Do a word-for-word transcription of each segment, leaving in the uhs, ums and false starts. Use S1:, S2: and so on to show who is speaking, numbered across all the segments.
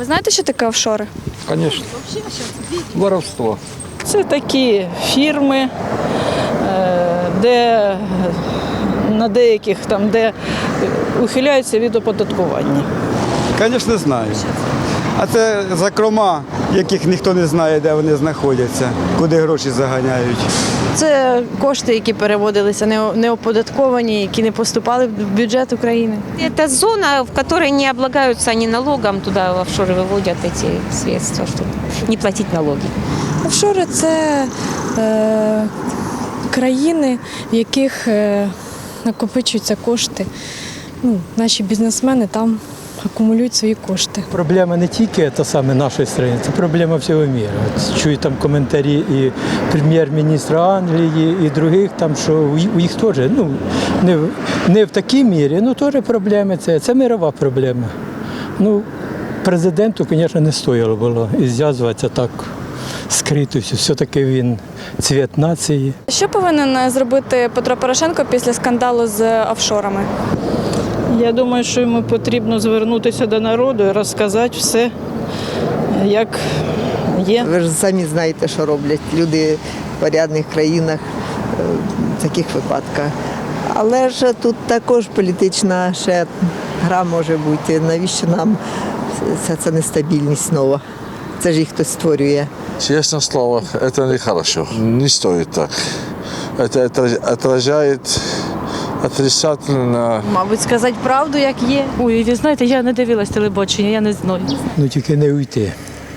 S1: ви знаєте, що таке офшори?
S2: Конечно. Воровство.
S3: Це такі фірми, е, де на деяких там, де ухиляються від оподаткування.
S4: Звісно, знаю. А це закрома, яких ніхто не знає, де вони знаходяться, куди гроші заганяють.
S5: Це кошти, які переводилися не- неоподатковані, які не поступали в бюджет України.
S6: Это зона, в которой не облагаются они налогом, туда в офшоры выводят эти средства, чтобы не платить налоги.
S7: Офшори – це е, країни, в яких е, накопичуються кошти. Ну, наші бізнесмени там акумулюють свої кошти.
S8: Проблема не тільки та саме нашої країни, це проблема всього світу. От чую там коментарі і прем'єр-міністра Англії, і других, там, що у їх теж, ну, не, в- не в такій мірі, ну теж проблеми це, це мирова проблема. Ну, президенту, звісно, не стояло було і зв'язуватися так скрито, все-таки він цвіт нації.
S1: Що повинен зробити Петро Порошенко після скандалу з офшорами?
S3: Я думаю, що йому потрібно звернутися до народу і розказати все, як є.
S9: Ви ж самі знаєте, що роблять люди в порядних країнах е, в таких випадках. Але ж тут також політична ще гра може бути. Навіщо нам ця, ця нестабільність нова? Це ж їх хтось створює.
S10: Честное слово, это нехорошо. Не стоит так. Это отра- отражает отрицательно.
S5: Мабуть, сказати правду, як є.
S11: Ой, ви знаєте, я не дивилась телебачення, я не знаю.
S8: Ну тільки не уйти.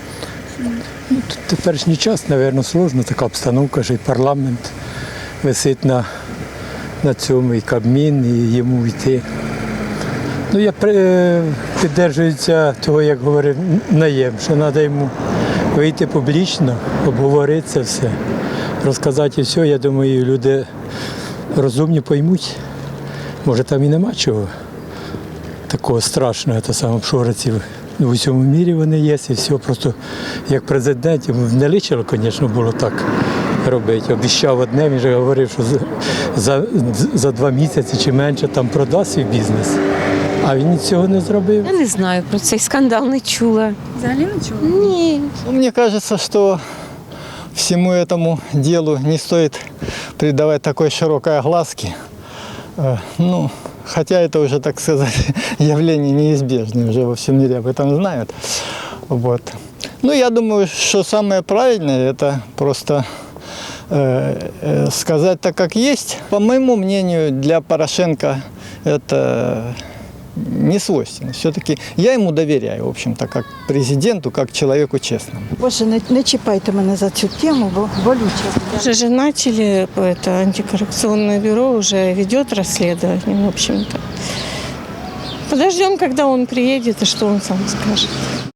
S8: Ну, тут теперішній час, мабуть, складно, така обстановка, що і парламент висить на, на цьому, і Кабмін, і йому йти. Ну, я при- підтримуюся того, як говорив Наєм, що треба йому вийти публічно, обговорити це все, розказати все. Я думаю, люди розумні поймуть. Може, там і нема чого такого страшного, це саме обшориців. В усьому мірі вони є, і все. Просто як президент, йому не личило, звісно, було так робити. Обіщав одне, він же говорив, що за, за, за два місяці чи менше там продасть свій бізнес. А він цього не зробив.
S6: Я не знаю, про цей скандал не чула.
S1: Взагалі нічого?
S6: Ні.
S12: Мне кажется, что всему этому делу не стоит придавать такой широкой огласки. Э, Ну, хотя это уже, так сказать, явление неизбежное, уже во всем мире об этом знают. Вот. Ну, я думаю, что самое правильное – это просто э, э, сказать так, как есть. По моему мнению, для Порошенко это не свойственно. Все-таки я ему доверяю, в общем-то, как президенту, как человеку честному.
S7: Боже, не, не чіпайте мене за цю тему, бо болюче.
S11: Уже же начали, это антикоррупционное бюро уже ведет расследование, в общем-то. Подождем, когда он приедет и что он сам скажет.